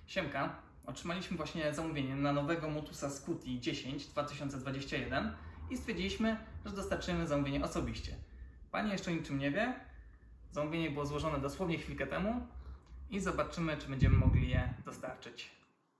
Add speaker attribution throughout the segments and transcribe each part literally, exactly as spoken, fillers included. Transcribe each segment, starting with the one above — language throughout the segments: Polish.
Speaker 1: Siemka, otrzymaliśmy właśnie zamówienie na nowego Motusa Scuti dziesięć dwa tysiące dwadzieścia jeden i stwierdziliśmy, że dostarczymy zamówienie osobiście. Pani jeszcze o niczym nie wie, zamówienie było złożone dosłownie chwilkę temu i zobaczymy, czy będziemy mogli je dostarczyć.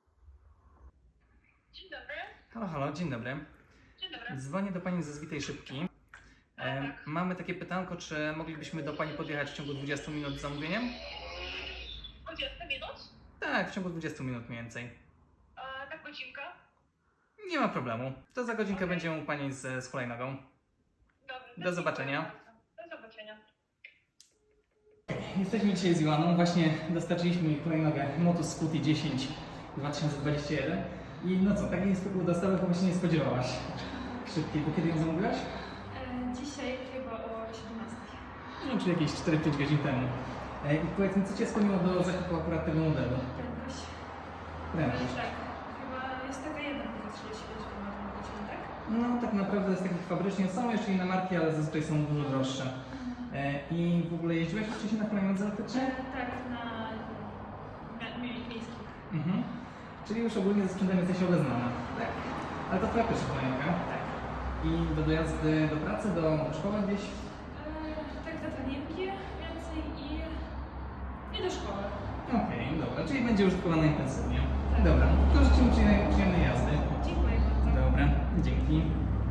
Speaker 2: Dzień dobry.
Speaker 1: Halo, halo, dzień dobry.
Speaker 2: Dzień dobry.
Speaker 1: Dzwonię do Pani ze Zwitej Szybki. E, mamy takie pytanko, czy moglibyśmy do Pani podjechać w ciągu dwudziestu minut z zamówieniem?
Speaker 2: dwadzieścia minut?
Speaker 1: Tak, w ciągu dwudziestu minut mniej więcej.
Speaker 2: A tak godzinka?
Speaker 1: Nie ma problemu. To za godzinkę będziemy u Pani z, z hulajnogą.
Speaker 2: Dobrze.
Speaker 1: Do zobaczenia.
Speaker 2: Do zobaczenia.
Speaker 1: Jesteśmy dzisiaj z Joanną, właśnie dostarczyliśmy jej hulajnogę Motus Scuti dziesięć dwa tysiące dwadzieścia jeden i no co, takiej spokój dostawy chyba się nie spodziewałaś. Szybkiej, bo kiedy ją zamówiłaś?
Speaker 3: E, Dzisiaj chyba o siedemnastej.
Speaker 1: No, czyli jakieś cztery pięć godzin temu. E, I powiedz mi, co Cię skłoniło do zakupu akurat tego modelu?
Speaker 3: Prędkość.
Speaker 1: Prędkość.
Speaker 3: Tak. Chyba jest taka jedna, tylko trzydzieści pięć kilometrów na godzinę, tak?
Speaker 1: No tak naprawdę jest takich fabrycznie, są jeszcze inne marki, ale zazwyczaj są dużo droższe. E, I w ogóle jeździłaś już wcześniej na hulajnodze elektrycznej?
Speaker 3: E, tak, na mia- mie- miejskich.
Speaker 1: Mhm. Czyli już ogólnie ze sprzętem jesteś obeznana. Tak. Ale to Twoja pierwsza hulajnoga?
Speaker 3: Tak.
Speaker 1: I do dojazdy do pracy, do szkoły gdzieś?
Speaker 3: E, tak, za treniengi więcej i, i do szkoły.
Speaker 1: Okej, dobra, czyli będzie użytkowana intensywnie.
Speaker 3: Tak.
Speaker 1: Dobra, to życzymy Ci przyjemnej jazdy.
Speaker 3: Dziękuję bardzo.
Speaker 1: Dobra, dzięki.